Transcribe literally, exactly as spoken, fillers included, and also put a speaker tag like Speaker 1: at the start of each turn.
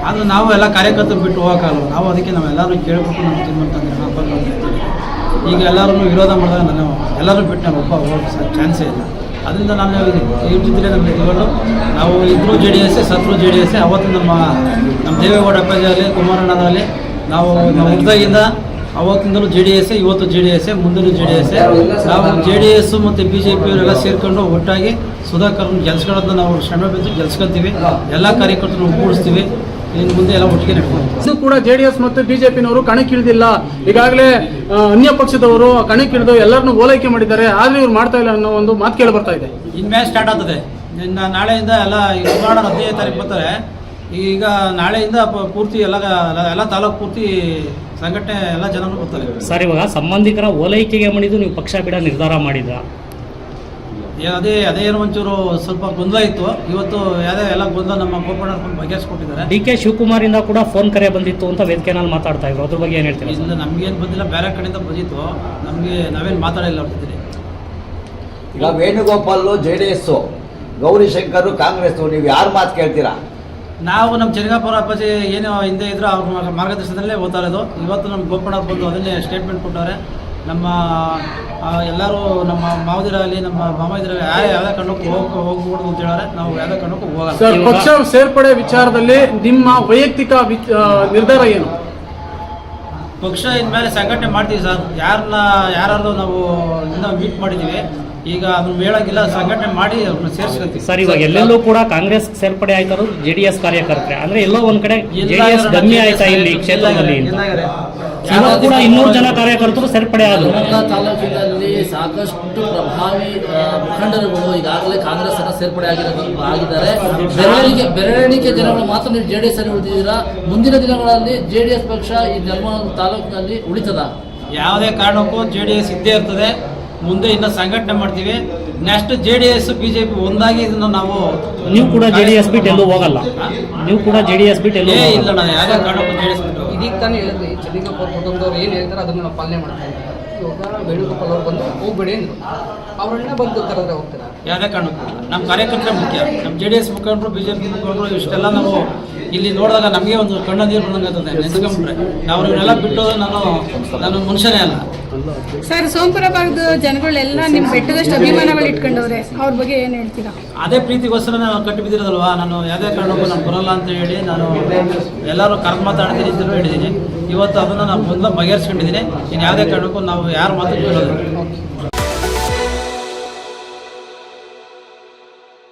Speaker 1: ಆದರೆ ನಾವು ಎಲ್ಲ ಕಾರ್ಯಕರ್ತರು ಬಿಟ್ಟು ಹೋಗೋಕ್ಕಲ್ಲ. ನಾವು ಅದಕ್ಕೆ ನಾವೆಲ್ಲರೂ ಕೇಳ್ಬಿಟ್ಟು ನಾವು ತಿನ್ನುವಂತಂದ್ರೆ ನಾವು ಈಗ ಎಲ್ಲರೂ ವಿರೋಧ ಮಾಡಿದಾಗ ನಾನು ಎಲ್ಲರೂ ಬಿಟ್ಟು ನಾನು ಒಬ್ಬ ಹೋಗೋ ಚಾನ್ಸೇ ಇಲ್ಲ. ಅದರಿಂದ ನಾನು ಇರ್ತಿದ್ರೆ ನಮಗೆ ಇಟ್ಕೊಂಡು ನಾವು ಇಬ್ಬರು ಜೆ ಡಿ ಎಸ್ ಸತ್ರು ಜೆ ಡಿ ಎಸ್. ಅವತ್ತು ನಮ್ಮ ನಮ್ಮ ದೇವೇಗೌಡ ಅಪ್ಪಾಜಿಯಲ್ಲಿ ಕುಮಾರಣ್ಣದಲ್ಲಿ ನಾವು ನಾವು ಹುಟ್ಟಿದಾಗಿಂದ ಅವತ್ತಿಂದಲೂ ಜೆ ಡಿ ಎಸ್, ಇವತ್ತು ಜೆ ಡಿ ಎಸ್, ಮುಂದಲೂ ಜೆ ಡಿ ಎಸ್. ನಾವು ಜೆ ಡಿ ಎಸ್ ಮತ್ತು ಬಿ ಜೆ ಪಿಯವರೆಲ್ಲ ಸೇರಿಕೊಂಡು ಒಟ್ಟಾಗಿ ಸುಧಾಕರ್ನ ಗೆಲ್ಸ್ಕೊಳ್ಳೋದನ್ನ ನಾವು ಶ್ರಮ ಬಿದ್ದು ಗೆಲ್ಸ್ಕೊತೀವಿ. ಎಲ್ಲ ಕಾರ್ಯಕರ್ತರು ಒಗ್ಗೂಡಿಸ್ತೀವಿ. ಇನ್ನು ಮುಂದೆ ಎಲ್ಲ ಒಟ್ಟಿಗೆ ನಡ್ಕೊಂಡು
Speaker 2: ಇದು ಕೂಡ ಜೆ ಡಿ ಎಸ್ ಮತ್ತು ಬಿಜೆಪಿನವರು ಕಣಕ್ಕಿಳಿದಿಲ್ಲ. ಈಗಾಗಲೇ ಅನ್ಯ ಪಕ್ಷದವರು ಕಣಕ್ಕಿಳಿದು ಎಲ್ಲರನ್ನೂ ಓಲೈಕೆ ಮಾಡಿದ್ದಾರೆ. ಆದರೆ ಇವ್ರು ಮಾಡ್ತಾ ಇಲ್ಲ ಅನ್ನೋ ಒಂದು ಮಾತು ಕೇಳಿ ಬರ್ತಾ ಇದೆ.
Speaker 1: ಇನ್ನು ಮ್ಯಾಚ್ ಸ್ಟಾರ್ಟ್ ಆಗ್ತದೆ. ಇನ್ನು ನಾಳೆಯಿಂದ ಎಲ್ಲ ಸುಮಾರು ಹದಿನೈದು ತಾರೀಕು ಬರ್ತಾರೆ. ಈಗ ನಾಳೆಯಿಂದ ಪೂರ್ತಿ ಎಲ್ಲ ಎಲ್ಲ ತಾಲೂಕು ಪೂರ್ತಿ ಸಂಘಟನೆ ಎಲ್ಲ ಜನರು ಬರ್ತಾರೆ.
Speaker 3: ಸರ್, ಇವಾಗ ಸಂಬಂಧಿಕರ ಓಲೈಕೆಗೆ ಮಾಡಿದ್ದು ನೀವು ಪಕ್ಷ ಬಿಡ ನಿರ್ಧಾರ ಮಾಡಿದ್ರ?
Speaker 1: ಅದೇ ಅದೇ ಏನೋ ಒಂಚೂರು ಸ್ವಲ್ಪ ಗೊಂದಲ ಇತ್ತು. ಇವತ್ತು ಯಾವುದೇ ಎಲ್ಲ ಗೊಂದಲ ನಮ್ಮ ಗೋಪಣ್ಣ ಬಗೆಹರಿಸ್ಕೊಟ್ಟಿದ್ದಾರೆ.
Speaker 3: ಡಿ ಕೆ ಶಿವಕುಮಾರ್ ಇಂದ ಕೂಡ ಫೋನ್ ಕರೆ ಬಂದಿತ್ತು ಅಂತ ವೇದಿಕೆನಲ್ಲಿ ಮಾತಾಡ್ತಾ ಇದ್ರು. ಅದ್ರ ಬಗ್ಗೆ ಏನು ಹೇಳ್ತೀವಿ?
Speaker 1: ಇಲ್ಲ, ನಮಗೇನು ಬಂದಿಲ್ಲ, ಬೇರೆ ಕಡೆಯಿಂದ ಬಂದಿತ್ತು. ನಮಗೆ ನಾವೇನು ಮಾತಾಡಿಲ್ಲ ಅವ್ರ ಜೊತೆ.
Speaker 4: ಈಗ Venugopal J D S, Gowrishankar Congress, ನೀವು ಯಾರು ಮಾತು ಕೇಳ್ತೀರಾ?
Speaker 1: ನಾವು ನಮ್ಮ ಚೆನ್ನಗಾಪುರ ಅಪ್ಪಾಜಿ ಏನು ಹಿಂದೆ ಇದ್ರು ಅವ್ರ ಮಾರ್ಗದರ್ಶನದಲ್ಲೇ ಓದ್ತಾ ಇರೋದು. ಇವತ್ತು ನಮ್ಮ ಗೋಪಣ್ಣ ಬಂದು ಅದನ್ನೇ ಸ್ಟೇಟ್ಮೆಂಟ್ ಕೊಟ್ಟವ್ರೆ. ನಮ್ಮ ಎಲ್ಲರೂ ನಮ್ಮ ಮಾವದಿರಾಗಲಿ ನಮ್ಮ ಮಾಮದಿರಾಗಲಿ ಯಾರು ಯಾವುದೇ ಕಾರಣಕ್ಕೂ ಹೋಗಿ ಹೋಗ್ಬಿಡ್ದು ಅಂತ ಹೇಳಿದ್ರೆ ನಾವು ಯಾವುದೇ ಕಾರಣಕ್ಕೂ ಹೋಗಲ್ಲ.
Speaker 2: ಸರ್, ಪಕ್ಷ ಸೇರ್ಪಡೆ ವಿಚಾರದಲ್ಲಿ ನಿಮ್ಮ ವೈಯಕ್ತಿಕ ನಿರ್ಧಾರ ಏನು?
Speaker 1: ಪಕ್ಷ ಇನ್ಮೇಲೆ ಸಂಘಟನೆ ಮಾಡ್ತೀವಿ ಸರ್. ಯಾರನ್ನ ಯಾರು ನಾವು ಇನ್ನೂ ಮೀಟ್ ಮಾಡಿದ್ದೀವಿ. ಈಗ ಅದನ್ನ ಹೇಳೋಂಗಿಲ್ಲ, ಸಂಘಟನೆ ಮಾಡಿ ಅವ್ರನ್ನ ಸೇರಿಸ್ಕೊತೀವಿ.
Speaker 3: ಸರ್, ಇವಾಗ ಎಲ್ಲೆಲ್ಲೂ ಕೂಡ ಕಾಂಗ್ರೆಸ್ ಸೇರ್ಪಡೆ ಆಯ್ತಾರೋ ಜೆ ಡಿ ಎಸ್ ಕಾರ್ಯಕರ್ತರೆ ಅಂದ್ರೆ ಎಲ್ಲೋ ಒಂದ್ ಕಡೆ ಜೆ ಡಿ ಎಸ್ ಕಮ್ಮಿ ಆಯ್ತಾ ಇಲ್ಲಿ ಕ್ಷೇತ್ರದಲ್ಲಿ? ಇವಾಗ ಕೂಡ ಇನ್ನೂರು ಜನ ಕಾರ್ಯಕರ್ತರು ಸೇರ್ಪಡೆ ಆದರು.
Speaker 5: ತಾಲೂಕಿನಲ್ಲಿ ಸಾಕಷ್ಟು ಪ್ರಭಾವಿ ಮುಖಂಡರುಗಳು ಈಗಾಗಲೇ ಕಾಂಗ್ರೆಸ್ ಅನ್ನ ಸೇರ್ಪಡೆ ಆಗಿರೋ ಆಗಿದ್ದಾರೆ. ಬೆರಳಿಗೆ ಬೆರಳಿಕೆ ಜನಗಳು ಮಾತ್ರ ನೀವು ಜೆ ಡಿ ಎಸ್ ಅಲ್ಲಿ ಉಳಿದಿದ್ದೀರಾ. ಮುಂದಿನ ದಿನಗಳಲ್ಲಿ ಜೆ ಡಿ ಎಸ್ ಪಕ್ಷ ಈ ನೆಲಮಂಗಲ ತಾಲೂಕಿನಲ್ಲಿ ಉಳಿತದ?
Speaker 1: ಯಾವುದೇ ಕಾರಣಕ್ಕೂ ಜೆ ಡಿ ಎಸ್ ಇದ್ದೇ ಇರ್ತದೆ. ಮುಂದೆ ಇನ್ನು ಸಂಘಟನೆ ಮಾಡ್ತೀವಿ. Next J D S BJP ಒಂದಾಗಿ ಇದನ್ನು ನಾವು
Speaker 3: ನೀವು ಕೂಡ ಜೆ ಡಿ ಎಸ್ ಬಿಟ್ಟು ಎಲ್ಲೂ ಹೋಗಲ್ಲ. ನೀವು ಕೂಡ ಜೆ ಡಿ ಎಸ್ ಬಿಟ್ಟು ಎಲ್ಲೂ
Speaker 1: ಇಲ್ಲ. ನಾನು ಯಾವುದೇ ಕಾರಣಕ್ಕೂ ಜೆ ಡಿ ಎಸ್ ಬಿಟ್ಟು
Speaker 6: ಇದೀಗ ತಾನೇ ಹೇಳಿದ್ರಿ, ಚೆನ್ನಗಾಪುರ ಕುಟುಂಬದವ್ರು ಏನು ಹೇಳ್ತಾರೆ ಅದನ್ನು ನಾವು ಪಾಲನೆ ಮಾಡ್ತಾ ಇದ್ದೀವಿ. ಇವಾಗ ವೇಣುಗೋಪಾಲ್ ಅವ್ರು ಬಂದು ಹೋಗ್ಬೇಡಿ ಅಂದರು, ಅವರನ್ನ ಬಂದು ಕರೆದ್ರೆ ಹೋಗ್ತಾರೆ.
Speaker 1: ಯಾವುದೇ ಕಾರಣಕ್ಕೂ ನಮ್ಮ ಕಾರ್ಯಕರ್ತರ ಮುಖ್ಯ. ನಮ್ಮ ಜೆ ಡಿ ಎಸ್ ಮುಖಂಡರು, ಬಿ ಜೆ ಪಿ ಮುಖಂಡರು ಇಷ್ಟೆಲ್ಲ ನಾವು ಇಲ್ಲಿ ನೋಡಿದಾಗ ನಮಗೆ ಒಂದು ಕಣ್ಣ ನೀರು ಬಂದಂಗಾಗ್ತದೆ. ನೆನೆಸ್ಕೊಂಡ್ಬಿಟ್ರೆ ನಾವು ಇವನ್ನೆಲ್ಲ ಬಿಟ್ಟು ನಾನು ನಾನು ಮನುಷ್ಯನೇ ಅಲ್ಲ.
Speaker 7: ಸರ್, ಸೋಂಪುರ ಭಾಗದ ಜನಗಳೆಲ್ಲ ನಿಮ್ಮ ಬೆಟ್ಟದಷ್ಟು ಅಭಿಮಾನಗಳು ಇಟ್ಕೊಂಡವ್ರೆ, ಅವ್ರ ಬಗ್ಗೆ ಏನು ಹೇಳ್ತೀರಾ?
Speaker 1: ಅದೇ ಪ್ರೀತಿಗೋಸ್ಕರ ನಾನು ಕಟ್ಟಿ ಬಿದ್ದಿರೋದಲ್ವಾ. ನಾನು ಯಾವುದೇ ಕಾರಣಕ್ಕೂ ನಾನು ಬರೋಲ್ಲ ಅಂತ ಹೇಳಿ ನಾನು ಎಲ್ಲರೂ ಕರ್ಮ ಮಾತಾಡ್ತೀನಿ ಅಂತಲೂ ಹೇಳಿದ್ದೀನಿ. ಇವತ್ತು ಅದನ್ನು ನಾನು ಮೊದಲು ಬಗೆಹರಿಸ್ಕೊಂಡಿದ್ದೀನಿ. ಇನ್ನು ಯಾವುದೇ ಕಾರಣಕ್ಕೂ ನಾವು ಯಾರು ಮಾತು ಕೇಳೋದು